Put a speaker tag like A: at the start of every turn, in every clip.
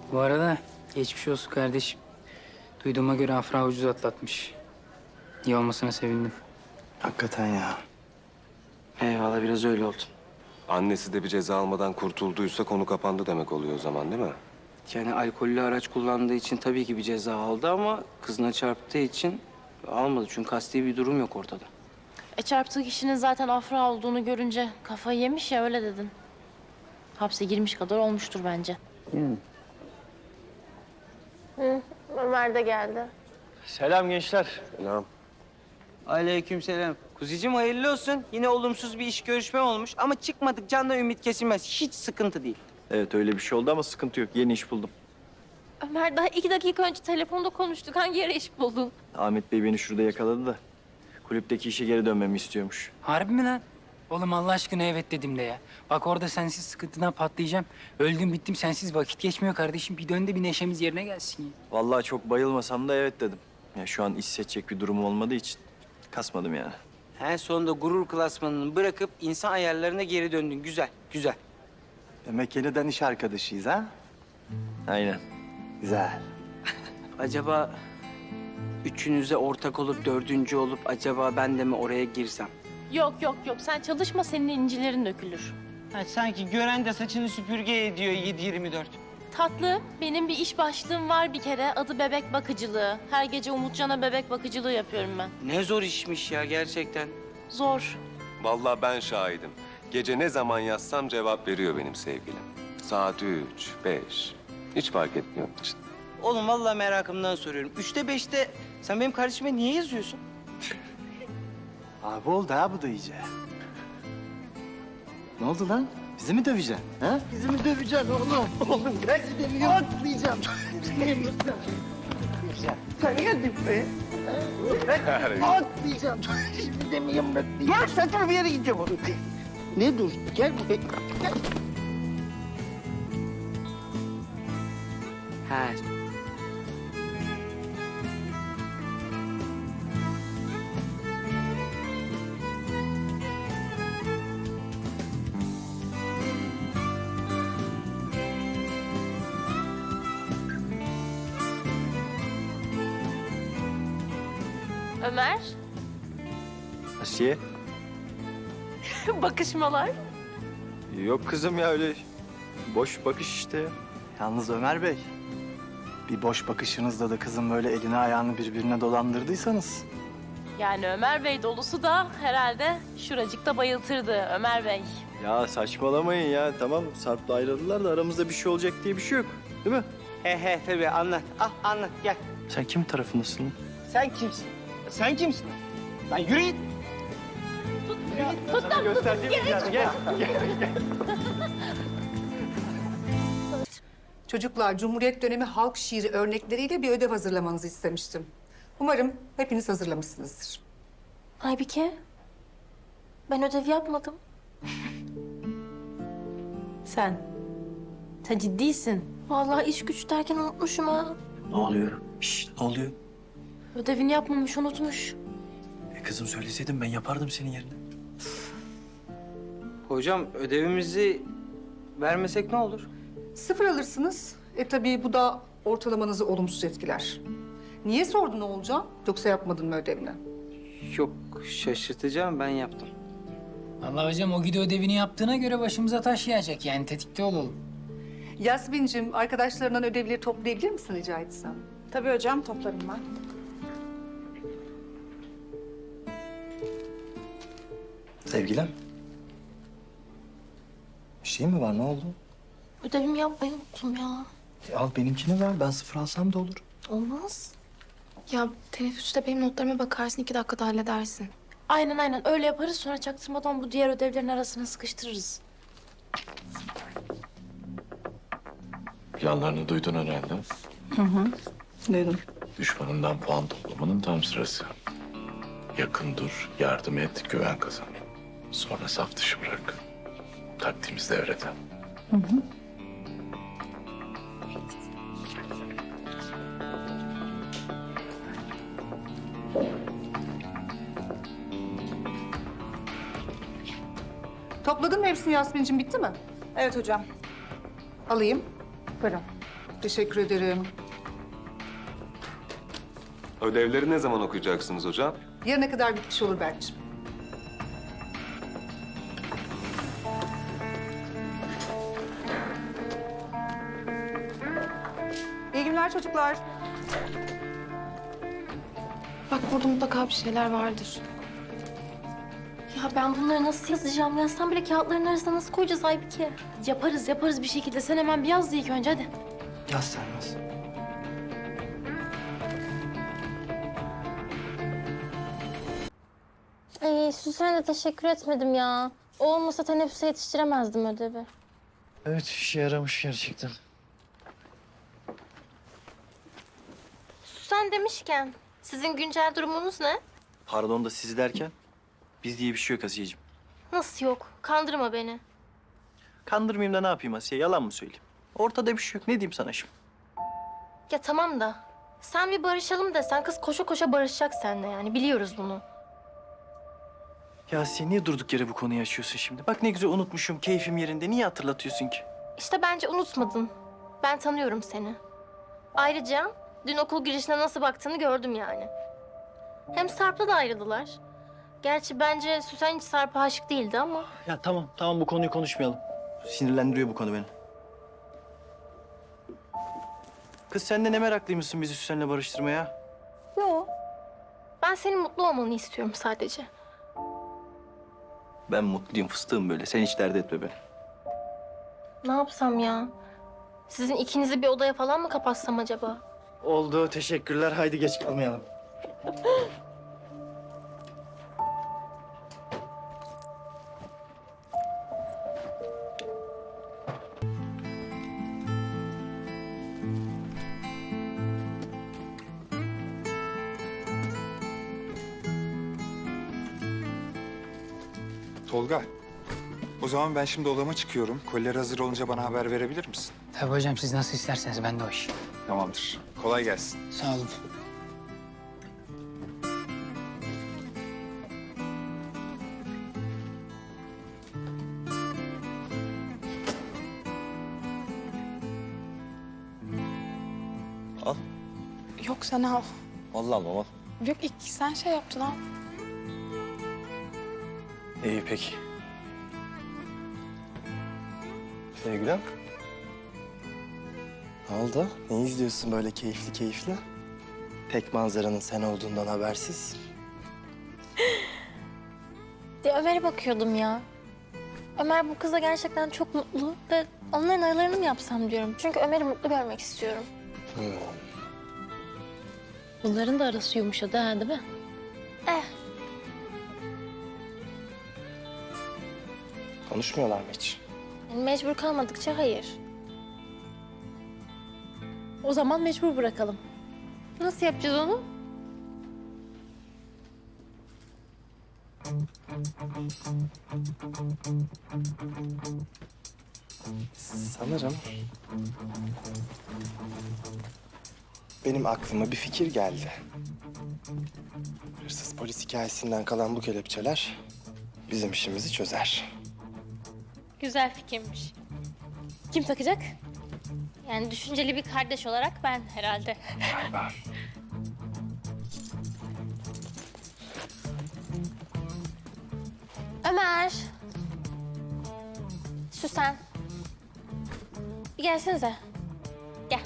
A: Bu arada geçmiş olsun kardeşim. Duyduğuma göre Afra ucuz atlatmış. İyi olmasına sevindim.
B: Hakikaten ya.
C: Eyvallah, biraz öyle oldu.
D: Annesi de bir ceza almadan kurtulduysa konu kapandı demek oluyor o zaman, değil mi?
C: Yani alkollü araç kullandığı için tabii ki bir ceza aldı ama kızına çarptığı için almadı. Çünkü kasti bir durum yok ortada.
E: Çarptığı kişinin zaten Afra olduğunu görünce kafayı yemiş ya, öyle dedin. Hapse girmiş kadar olmuştur bence. Ömer de geldi.
B: Selam gençler.
D: Selam.
C: Aleykümselam. Kuzicim hayırlı olsun. Yine olumsuz bir iş görüşme olmuş ama çıkmadık, canla ümit kesilmez. Hiç sıkıntı değil.
B: Evet öyle bir şey oldu ama sıkıntı yok. Yeni iş buldum.
E: Ömer, daha 2 dakika önce telefonda konuştuk. Hangi yere iş buldun?
B: Ahmet Bey beni şurada yakaladı da kulüpteki işe geri dönmemi istiyormuş.
A: Harbi mi lan? Oğlum Allah aşkına evet dedim de ya. Bak orada sensiz sıkıntıdan patlayacağım. Öldüm bittim sensiz vakit geçmiyor kardeşim. Bir dön de bir neşemiz yerine gelsin ya.
B: Vallahi çok bayılmasam da evet dedim. Ya şu an iş seçecek bir durumum olmadığı için kasmadım yani.
C: En sonunda gurur klasmanını bırakıp insan ayarlarına geri döndün. Güzel, güzel.
F: Demek yeniden iş arkadaşıyız ha?
B: Aynen.
F: Güzel.
C: Acaba üçünüze ortak olup dördüncü olup acaba ben de mi oraya girsem?
E: Yok. Sen çalışma, senin incilerin dökülür.
C: Ha, sanki gören de saçını süpürge ediyor 7/24.
E: Tatlı, benim bir iş başlığım var bir kere. Adı bebek bakıcılığı. Her gece Umutcan'a bebek bakıcılığı yapıyorum ben.
C: Ne zor işmiş ya gerçekten.
E: Zor.
D: Vallahi ben şahidim. Gece ne zaman yazsam cevap veriyor benim sevgilim. Saat 3, 5. Hiç fark etmiyor onun için.
C: Oğlum vallahi merakımdan soruyorum. 3'te 5'te sen benim kardeşime niye yazıyorsun?
F: Abi oldu ha bu da iyice. Ne oldu lan? Bizi mi döveceksin? Ha? Bizi mi döveceksin oğlum? Oğlum ben seni atlayacağım. Sen geldin be. Atlayacağım. Şimdi de mi yumruklayacağım? Ya saçma bir yere gideceğim oğlum. Ne dur? Gel buraya. Gel.
C: Ha.
E: Ömer,
B: Asiye?
E: bakışmalar.
B: Yok kızım ya öyle boş bakış işte.
F: Yalnız Ömer Bey, bir boş bakışınızda da kızın böyle elini ayağını birbirine dolandırdıysanız...
E: Yani Ömer Bey dolusu da herhalde şuracıkta bayıltırdı Ömer Bey.
B: Ya saçmalamayın ya. Tamam Sarp'la ayrıldılar da aramızda bir şey olacak diye bir şey yok. Değil mi?
C: He tabii anlat. Ah anlat gel.
B: Sen kim tarafındasın?
C: Sen kimsin? Sen kimsin? Lan yürü git.
G: Çocuklar, Cumhuriyet dönemi halk şiiri örnekleriyle bir ödev hazırlamanızı istemiştim. Umarım hepiniz hazırlamışsınızdır.
E: Aybike, ben ödev yapmadım. Sen ciddisin. Vallahi iş güç derken unutmuşum ha.
B: Ne oluyor? Şşş ne oluyor?
E: Ödevini yapmamış, unutmuş.
B: Kızım söyleseydin ben yapardım senin yerine.
C: Hocam ödevimizi vermesek ne olur?
G: 0 alırsınız. Tabii bu da ortalamanızı olumsuz etkiler. Niye sordun Oğulcan? Yoksa yapmadın mı ödevini?
C: Yok şaşırtacağım ben yaptım.
A: Vallahi hocam o gidi ödevini yaptığına göre başımıza taş yağacak. Yani tetikte olalım.
G: Yasmin'cim, arkadaşlarından ödevleri toplayabilir misin rica etsem?
H: Tabii hocam, toplarım ben.
F: Sevgilim. Bir şey mi var? Ne oldu?
E: Ödevimi yapmayı unuttum ya.
F: Al benimkini ver. Ben 0 alsam da olur.
E: Olmaz.
H: Ya teneffüste benim notlarıma bakarsın, 2 dakikada halledersin.
E: Aynen öyle yaparız, sonra çaktırmadan bu diğer ödevlerin arasına sıkıştırırız.
I: Planlarını duydun herhalde.
G: Duydum.
I: Düşmanından puan toplamanın tam sırası. Yakın dur, yardım et, güven kazan. Sonra saf dışı bırak. Taktiğimiz devrede.
G: Topladın mı hepsini Yasmin'cim, bitti mi?
H: Evet hocam.
G: Alayım. Buyurun. Teşekkür ederim.
D: Ödevleri ne zaman okuyacaksınız hocam?
G: Yarına kadar bitmiş olur Berk'ciğim. İyi günler çocuklar.
H: Bak burada mutlaka bir şeyler vardır.
E: Ya ben bunları nasıl yazacağım? Yazsam bile kağıtların arasına nasıl koyacağız Aybike? Yaparız bir şekilde. Sen hemen bir yaz da ilk önce hadi.
F: Yaz sen yaz.
E: Süsen'e de teşekkür etmedim ya. O olmasa teneffüse yetiştiremezdim ödevi.
F: Evet, işe yaramış gerçekten.
E: Süsen demişken, sizin güncel durumunuz ne?
B: Pardon da siz derken? Biz diye bir şey yok Asiye'cim.
E: Nasıl yok? Kandırma beni.
B: Kandırmayayım da ne yapayım Asiye? Yalan mı söyleyeyim? Ortada bir şey yok. Ne diyeyim sana şimdi?
E: Ya tamam da, sen bir barışalım desen kız koşa koşa barışacak seninle yani. Biliyoruz bunu.
B: Ya Asiye niye durduk yere bu konuyu açıyorsun şimdi? Bak ne güzel unutmuşum. Keyfim yerinde. Niye hatırlatıyorsun ki?
E: İşte bence unutmadın. Ben tanıyorum seni. Ayrıca dün okul girişine nasıl baktığını gördüm yani. Hem Sarp'la da ayrıldılar. Gerçi bence Süsen hiç Sarp'a aşık değildi ama.
B: Ya tamam bu konuyu konuşmayalım. Sinirlendiriyor bu konu beni. Kız sen de ne meraklıymışsın bizi Süsen'le barıştırmaya?
E: Yok. Ben senin mutlu olmanı istiyorum sadece.
B: Ben mutluyum fıstığım böyle. Sen hiç dert etme beni.
E: Ne yapsam ya? Sizin ikinizi bir odaya falan mı kapatsam acaba?
F: Oldu, teşekkürler. Haydi geç kalmayalım.
J: Tolga, o zaman ben şimdi odama çıkıyorum. Koliler hazır olunca bana haber verebilir misin?
A: Tabii hocam siz nasıl isterseniz ben de o iş.
J: Tamamdır. Kolay gelsin.
A: Sağ olun.
B: Al.
H: Yok sen al.
B: Vallahi almam al.
H: Yok ilk sen şey yaptın al.
B: İyi peki. Sevgilim.
F: Ne oldu? Ne izliyorsun böyle keyifli keyifli? Tek manzaranın sen olduğundan habersiz.
E: Ömer'e bakıyordum ya. Ömer bu kızla gerçekten çok mutlu ve onların aralarını mı yapsam diyorum. Çünkü Ömer'i mutlu görmek istiyorum. Bunların da arası yumuşadı ha değil mi?
F: Konuşmuyorlar mı hiç?
E: Yani mecbur kalmadıkça hayır. O zaman mecbur bırakalım. Nasıl yapacağız onu?
F: Sanırım benim aklıma bir fikir geldi. Hırsız polis hikayesinden kalan bu kelepçeler bizim işimizi çözer.
E: Güzel fikirmiş. Kim takacak? Yani düşünceli bir kardeş olarak ben herhalde.
F: Galiba.
E: Ömer. Süsen. Bir gelsenize. Gel.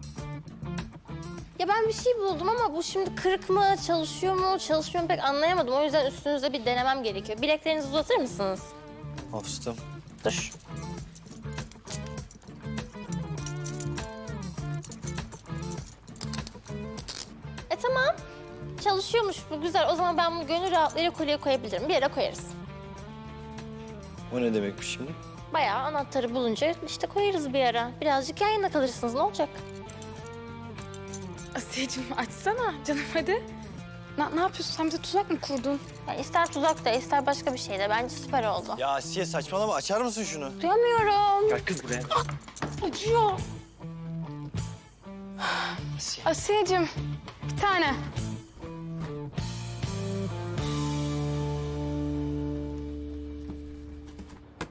E: Ya ben bir şey buldum ama bu şimdi kırık mı, çalışıyor mu, çalışmıyor mu pek anlayamadım. O yüzden üstünüzde bir denemem gerekiyor. Bileklerinizi uzatır mısınız?
B: Al fıstığım.
E: Dur. Tamam. Çalışıyormuş bu güzel. O zaman ben bunu gönül rahatlığıyla kolye koyabilirim. Bir yere koyarız.
B: O ne demekmiş şimdi?
E: Bayağı anahtarı bulunca işte koyarız bir yere. Birazcık yan yana kalırsınız. Ne olacak?
H: Asiyeciğim açsana canım hadi. Ne yapıyorsun? Sen bize tuzak mı kurdun?
E: Ya ister tuzak da ister başka bir şey de. Bence süper oldu.
B: Ya Asiye saçmalama. Açar mısın şunu?
E: Duyamıyorum.
B: Gel kız buraya.
H: Acıyor. Asiyeciğim bir tane.